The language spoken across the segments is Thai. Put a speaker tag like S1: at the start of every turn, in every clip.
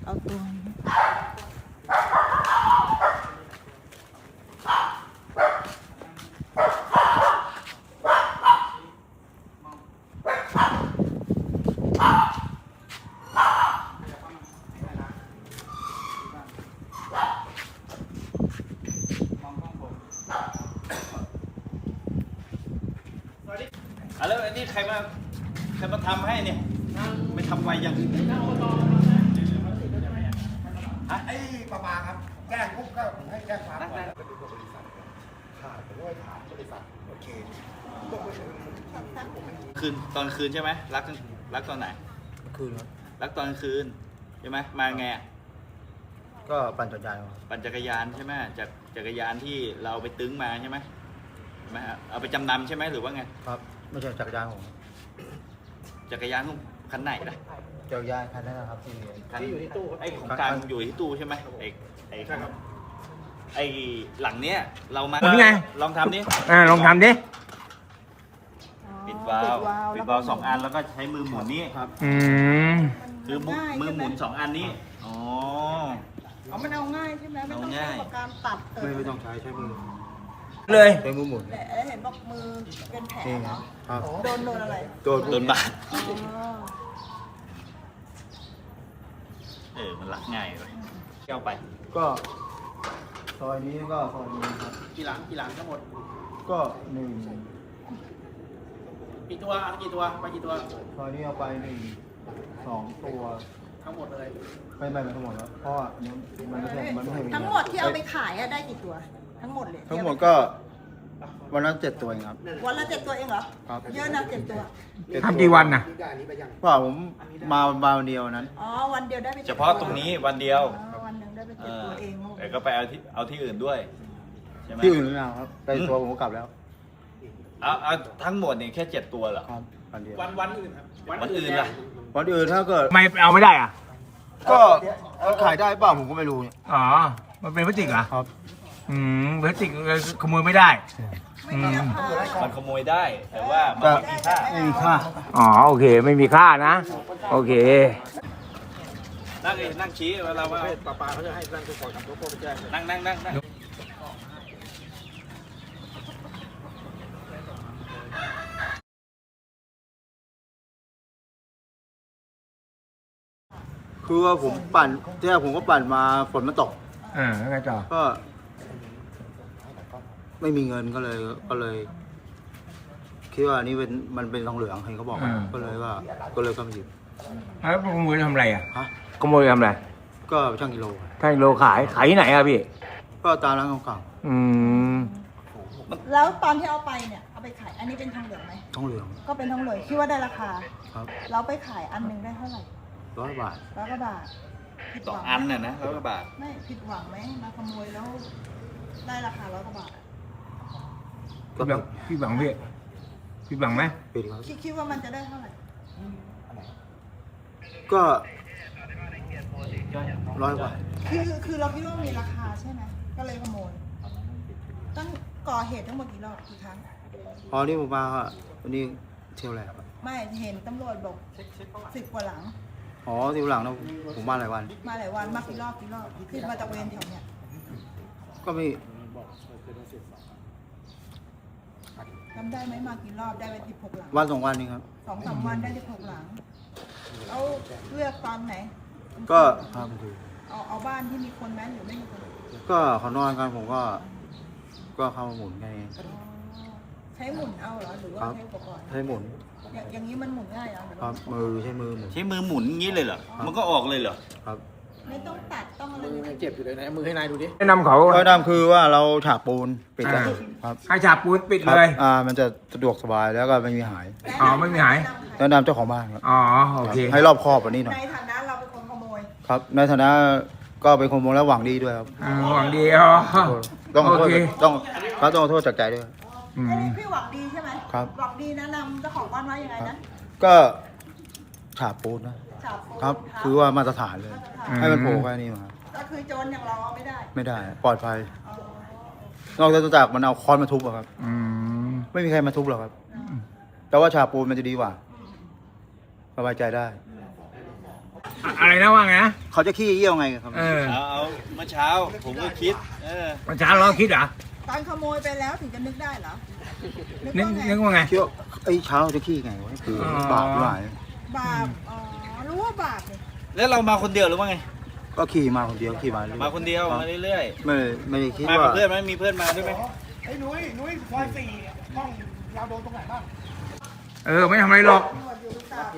S1: เอาตัวนี้
S2: แล้วอันนี้ใครมาทำให้เนี่ยไม่ทำไวยัง
S3: ไอ้ประมาครับแจ้งปุ๊บก็ให้แจ้งความก่อนแล้วก็ดูบริษัทค่ะผมก็ไปถามบริษัทโอเค
S2: คืนตอนคืนใช่ไหมรักตอนไหน
S3: คืนครับ
S2: รักตอนคืนใช่ไหมมาไงอะ
S3: ก็ปั่นจักรยานครับ
S2: ปั่นจักรยานใช่ไหมจากจักรยานที่เราไปตึ้งมาใช่ไหมใช่ไหมฮะเอาไปจำนำใช่ไหมหรือว่าไง
S3: ครับไม่ใช่จักรยานผม
S2: จักรยานของคันไหนล่ะ
S3: จักรยานคันนั้นนะครับที่
S2: คันที่อยู่ที่ตู้ไอ้ของกลางอยู่ที่ตู้ใช่ไหมไอ้หลังเนี้ยเรามา
S4: หมุนไง
S2: ลองทำดิ
S4: ลองทำดิ
S2: ปิดวาล์วสองอันแล้วก็ใช้มือหมุนนี่
S3: ครับ
S4: อืม
S2: คือมือหมุนสองอันนี้อ๋อ
S1: มันเอาง่ายใช่ไหมไม่ต้อง
S2: เอา
S1: ใช้
S2: ง่าย
S1: ปากกาตัด
S3: ไม่ต้องใช้มือ
S4: เลย
S3: ใช้มือหมุน
S1: แต่เห็นบอกมือเป็นแผล
S3: นี่
S1: เหรอ
S3: ครับ
S1: โดนอะไร
S2: โดนบาด
S1: อ๋อ
S2: มันรักง่ายเลยแก้วไป
S3: ก็ซอยนี้ก็ซอยนี้ครับ
S5: กี่หลังทั้งหมด
S3: ก็หนึ่ง
S5: กี่ตัวเอากี่ตัวไปกี่ตัว
S3: ซอยนี้เอาไปหนึ่งสองตัว
S5: ทั้งหมดเลย
S3: ไม่ทั้งหมดแล้วเพราะว่าอันนี้มันไม่ใช่
S1: ทั้งหมดที่เอาไปขายอะได้กี่ตัว ทั้งหมดเลย
S3: ทั้งหมดก็วันละ7 ตัวเองครับ
S1: วันละ7 ตัวเองเหรอ
S3: ครับ
S1: เยอะนะ7 ตัว
S4: ทำกี่วันน่ะ
S3: ว่าผมมาวันเดียวนั้น
S1: อ๋อวันเดียวได้ไป7
S2: เฉพาะตรงนี้วันเดียว
S1: อ๋อวันหนึ่งได้ไป
S2: เอ
S1: 7
S2: อ
S1: ตัวเอง
S2: แต่ก็ไปเอาที่อื่นด้วยใช่ไหม
S3: ที่อื่นไม่เอาครับไปตัวผมก็กลับแล้ว
S2: เอาทั้งหมดเนี่ยแค่7 ตัวเหรอ
S3: ครับวันเดียว
S5: วันอื่นครับ
S2: วันอื่นล่ะ
S3: วันอื่นถ้าเกิด
S4: ไม่เอาไม่ได้อ่ะ
S3: ก็ขายได้เปล่าผมก็ไม่รู้เนี่ย
S4: อ๋อ มันเป็นพลาสติกเหรอ
S3: ครับ
S4: พลาสติกขโมยไม่ได้
S1: ไม่มีราคา
S2: มันขโมยได้ แต่ว่ามันไม่มีค่า
S3: ไม่มีค่า
S4: อ๋อ โอเค ไม่มีค่านะ โอเค
S2: นั่งชี้เวลาว่า
S5: ปลาเขาจะให้ตั้งตัวก่อนกับตัวโค้ไปแจ้งเลย
S2: นั่ง
S3: คือว่าผมปั่นที่แรกผมก็ปั่นมาฝนมันตก
S4: แล้วไงต่อ
S3: ก็ ไม่มีเงินก็เลย คิดว่านี่มันเป็นทองเหลืองเห็นเขาบอกก็เลยก็มาหยิบ
S4: แล้วขโมยทำอะไรอ่ะ
S3: ฮะ
S4: ขโมยทำอะไร
S3: ก็ช่างกิโล
S4: ถ้าโลขายที่ไหนอ่ะพี่
S3: ก็ตามร้านเก่า
S4: อืม
S1: แล้วตอนที่เอาไปเนี่ยเอาไปขายอันนี้เป็นทองเหลืองไหม
S3: ๆทองเหลือง
S1: ก็เป็นทองเหลืองคิดว่าได้ราคา
S3: ครับ
S1: เราไปขายอันหนึ่งได้เท่าไหร่
S3: 100 บาท
S1: 100 กว่าบาทผิด
S2: ต่อ
S1: หวัง
S2: อัน
S1: ไหม
S2: น่ะนะ100 กว่าบาท
S1: ไม่ผิดหวังไหมมาขโมยแล้วได้ราคา100 กว่าบาท
S4: พี่บังพี่บังพี่พี่บังไหม
S3: ปิดครับ
S1: คิดว่ามันจะได้เท่าไหร่
S3: ก็100 บาท
S1: คือเราคิดว่ามีราคาใช่ไหมก็เลยขโมยตั้งก่อเหตุทั้งหมดกี่รอบกี่ครั้ง
S3: พอนี่ผมมาวันนี้เที่ยวแรกครับ
S1: ไม่เห็นตำรวจบอก10 กว่าหลัง
S3: อ๋อที่หลังนะผมมาหลายวัน
S1: มาหลายวันมากี่รอบคือมาจากเวรแถวเนี้ย
S3: ก็ไม่
S1: จำได้ไหมมากี่รอบได้ไป16 หลัง
S3: วัน2 วันนี้ครับ
S1: 2-3 วันได้16 หลังเอาเลือกตอนไหน
S3: ก็ครับดู
S1: เอาบ้านที่มีคนไหมหรือไม่มีคน
S3: ก็เขานอนกันผมก็เข้ามาหมุนแค่นี้
S1: อ๋อใช้หมุนเอาเหรอหรือว่า
S3: ครับ
S1: ใช้อุปกรณ์
S3: ใช้หมุน
S1: อย่างนี้มันหมุนง่ายเหรอหรือ
S3: ครั
S1: ว่า
S3: บมือใช้มือหมุน
S2: ใช้มือหมุนอย่างนี้เลยเหรอ มันก็ออกเลยเหรอ
S3: ครับ
S1: ไม่ต้องตัดต้องอะไร
S5: มือ
S1: เลย
S5: ยังเจ็บอยู่เลยนะมือให้นายดูดิ
S4: แนะนำเขา
S3: ก็ดำคือว่าเราฉาบปูนปิดไว้ครับ
S4: ให้ฉาบปูนปิด
S3: ครับ
S4: เลย
S3: มันจะสะดวกสบายแล้วก็ไม่มีหาย
S4: อ๋อไม่มีหาย
S3: แล้วนำเจ้าของบ้านครับ
S4: อ๋อ โอเค
S3: ให้รอบครอบกว่านี้หน่อย
S1: ในฐานะเราเป็นคนขโมย
S3: ครับในฐานะก็เป็นคนมองและหวังดีด้วยครับ
S4: หวังดีอ๋อ
S3: ต้องขอโทษ
S4: โอเค
S3: ต้องขอโทษจากใจด้วย
S4: อืม
S1: อันนี้พี่หวังดีใช่ไหม
S3: ครับ
S1: หวังดีแนะนำเจ้าของบ้านว่ายังไงนะ
S3: ก็ฉาบปูนนะ
S1: จับปูน
S3: ครับ
S1: ทา
S3: คือว่ามาตรฐานเลย ให้มันโผล่แค่นี้มา
S1: ก็คือโจรอย่างเราเอาไม่ได้
S3: ไม่ได้ปลอดภัย
S1: อ๋อน
S3: อกจากมันเอาค้อนมาทุบอะครับ
S4: อืม
S3: ไม่มีใครมาทุบหรอกครับ แต่ว่าฉาบปูนมันจะดีกว่าสบายใจได้
S4: อะไรนะว่าไงนะ
S6: เขาจะขี้เยี่ยวไงครับ
S4: เออ
S2: เอาเมื่อเช้าผมก็คิด
S4: เมื่อเช้าเราคิดเหรอ
S1: ตอนขโมยไปแล้วถึงจะนึกได้เหรอ
S4: นึกว่าไง
S6: เที่ยวไอ้เช้าจะขี้ไงวะคือบาปหลาย
S1: บาป อ๋อ รู้ว่าบาปเลย
S2: แล้วเรามาคนเดียวหรือว่าไง
S6: ก็ขี่มาคนเดียวขี่มาเรื่อย
S2: มาคนเดียวมาเรื่อย
S6: ไม่ได้คิด
S2: ๆมา
S6: ว่า
S2: กับเพื่อนไหมมีเพื่อนมาด้วยไหม
S3: ไอ้นุ้ยซอยสี่ห้องเราโดนตรงไหนบ้าง
S4: ไม่ทำอะไรหรอก
S1: ตำรวจอยู่ตาม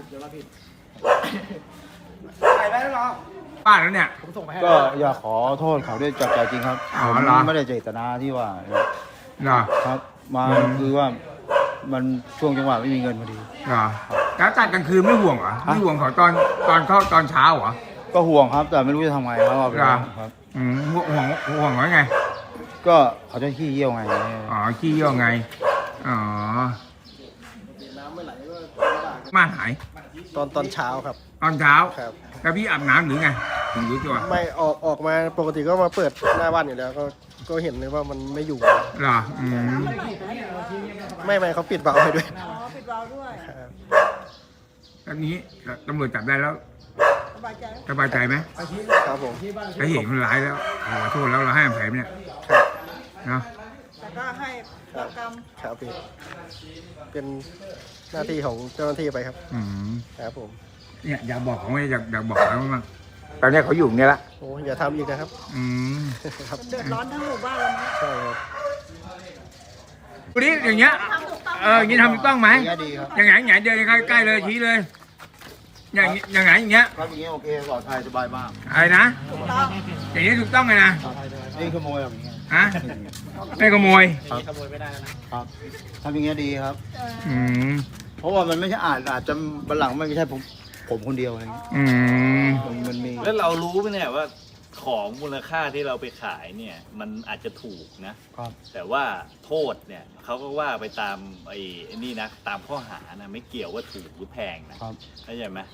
S3: ถ่ายไว้แล้วเหรอ
S4: ป้าแล้วเนี่ย
S5: ผมส่งไปให้
S6: ก็อยากขอโทษเขาด้วยจากใจจริงครับ
S4: อ๋อ
S6: ผม
S4: เหรอ
S6: ไม่ได้เจตนาที่ว่า
S4: เหรอ
S6: ครับ มา
S4: อืม
S6: คือว่ามันช่วงจังหวะไม่มีเงินพอดี
S4: เหรอแล้วตัดกลางคืนไม่ห่วงเหรอไม่ห่วงเขาตอนเข้าตอนเช้าเหรอ
S6: ก็ห่วงครับ แต่ไม่รู้จะทำไงครับเอาไป
S4: เหรอ
S6: ครับ
S4: ห่วงไว้ไง
S6: ก็เขาจะขี้เยี่ยวไง
S4: อ๋อขี้เยี่ยวไง อ๋อ
S5: น้ำไม่ไหลก็
S4: มาหาย
S5: ตอนเช้าครับ
S4: ตอนเช้า
S5: ครับ
S4: แล้วพี่อาบน้ำหรือไงถึงรู้ตัว
S5: ไม่ออกมาปกติก็มาเปิดหน้าบ้านอยู่แล้วก็เห็นเลยว่ามันไม่อยู่
S4: เหรออืม
S5: ไม่เขาปิดเบาให้ด้วย
S1: อ๋อ ปิดวาล์วด้วย
S5: ครับ
S4: แล้วนี้ตำรวจจับได้แล้ว
S1: สบายใจไหม
S4: สบายใจไหม
S5: ครับผม
S4: ถ้าเห็นคนร้ายแล้วขอโทษแล้วเราให้อภัยไหมเนี่ย
S5: ครับ
S4: เนาะ
S1: แต่ก็ให้ประกรรม
S5: ครับพี่เป็นหน้าที่ของเจ้าหน้าที่ไปครับ
S4: อืม
S5: ครับผม
S4: เนี่ยอยากบอกเขาไหมอยากบอกเขาบ้างตอนนี้เขาอยู่เนี่ยละ
S5: โอ้อย่าทำอีกนะครับ
S4: อืม
S5: ครับ
S1: เดือดร้อนทั้งหมู่บ้านเลยนะ
S5: ใช่ครับ
S4: วันนี้อย่างเงี้ย อย่างงี้ทำถูกต้องไหม
S6: อย่างเงี้ยดีครับ
S4: อย่างไงเดินใกล้ๆเลยชี้เลย อย่างไงอย่างเงี้ย
S6: ครับอย่างเงี้ยโอเคปลอดภัยสบายมาก
S4: อะไรนะ
S1: ถูกต้อง
S4: อย่างนี้ถูกต้องเลยนะ
S6: นี่ขโมยแบบนี้
S4: ฮะไม่ขโมย
S5: ขโมยไม่ได้แล้วนะครับ
S6: ทำอย่างเงี้ยดีครับ
S4: อืม
S6: เพราะว่ามันไม่ใช่อาจจะบันหลังไม่ใช่ผมคนเดียวอะไรเงี้ย
S4: อืม
S6: มันมี
S2: แล้วเรารู้ไหมเนี่ยว่าของมูลค่าที่เราไปขายเนี่ยมันอาจจะถูกนะ
S6: ครับ
S2: แต่ว่าโทษเนี่ยเขาก็ว่าไปตามไอ้นี่นะตามข้อหานะไม่เกี่ยวว่าถูกหรือแพงนะครับ เข้าใจไหม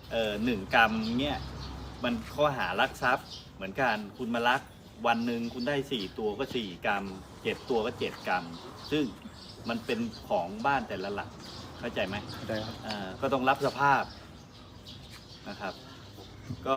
S2: 1 กรัมเนี่ยมันข้อหารักทรัพย์เหมือนกันคุณมาลักวันหนึ่งคุณได้4 ตัวก็4 กรัม7 ตัวก็7 กรัม ซึ่งมันเป็นของบ้านแต่ละหลังเข้าใจไหม
S6: ได้ครับ
S2: ก็ต้องรับสภาพนะครับ ก็